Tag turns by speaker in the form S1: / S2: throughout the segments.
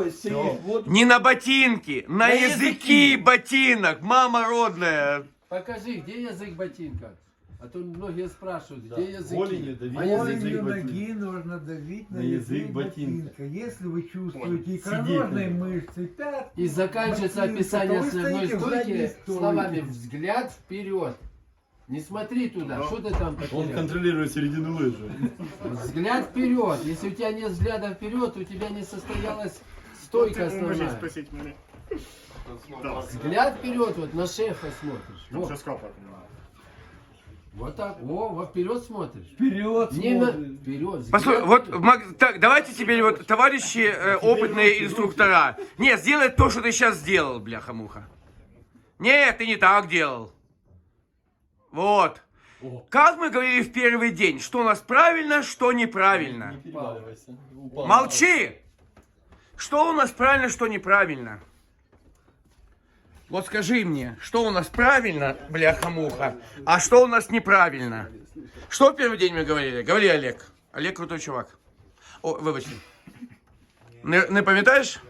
S1: Не на ботинки, на языки ботинок, мама родная.
S2: Покажи, где язык ботинка? А то многие спрашивают, где языки?
S3: Голенью давить
S2: А
S3: на
S2: языки?
S3: язык
S4: ноги нужно давить на
S3: язык
S4: язык
S3: ботинка.
S4: ботинка. Если вы чувствуете
S3: Сидеть
S4: икроножные
S3: надо.
S4: мышцы пятки,
S2: И заканчивается
S4: ботинка,
S2: описание
S4: то вы
S2: основной
S4: стоите в задней
S2: стойки
S4: стойке.
S2: словами «взгляд вперед». Не смотри туда, что ты там
S3: Он
S2: потерял?
S3: контролирует середину лыжи.
S2: Взгляд вперед. Если у тебя нет взгляда вперед, у тебя не состоялась стойка основная.
S5: спросить меня.
S2: Взгляд вперед, вот на шефа смотришь.
S5: Ну,
S2: Вот,
S5: все сказал.
S2: вот так, вот вперед смотришь.
S4: Вперед
S2: Не на...
S4: смотрит.
S2: Вперед.
S1: Послушай, вот, так, давайте теперь вот, товарищи опытные инструктора. Нет, сделай то, что ты сейчас сделал, бляха-муха. Нет, ты не так делал. Вот. Как мы говорили в первый день, что у нас правильно, что неправильно.
S3: Не переваливайся. Упал.
S1: Молчи! Что у нас правильно, что неправильно? Вот скажи мне, что у нас правильно, бляха-муха, а что у нас неправильно? Что в первый день мы говорили? Говори, Олег. Олег крутой чувак. О, вибачте. Не пам'ятаєш?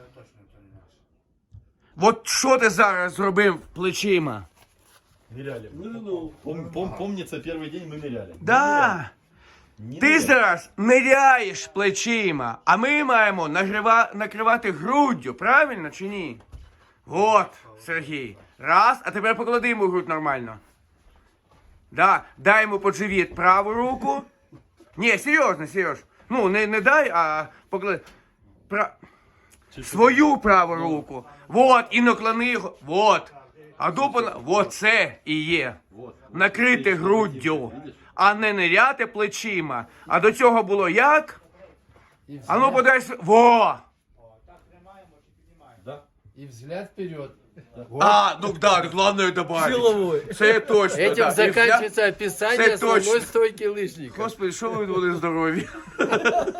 S1: От що ти зараз зробив плечима?
S3: Ныряли. Помнится, первый день мы ныряли.
S1: Да.
S3: Не
S1: Ти
S3: ныряли.
S1: зараз ниряєш плечима, а ми маємо накривати груддю, правильно чи ні? От, Сергій. Раз, а тепер поклади йому грудь нормально. Да, дай йому під живіт праву руку. Ні, серйозно, Сереж. Ну, не дай, а поклади. Свою праву руку. Вот, і наклони його. Вот. А дупу, вот це і є. Накрити груддю, а не ниряти плечима. А до цього було як?
S2: И
S1: А ну
S2: взгляд,
S1: подайся. Во!
S3: Да.
S2: и взгляд вперед.
S1: А, ну да, главное добавить. Це точно.
S2: Этим
S1: да.
S2: заканчивается описание
S1: Це
S2: основной
S1: точно.
S2: стойки лыжника.
S1: Господи, що ви були здорові.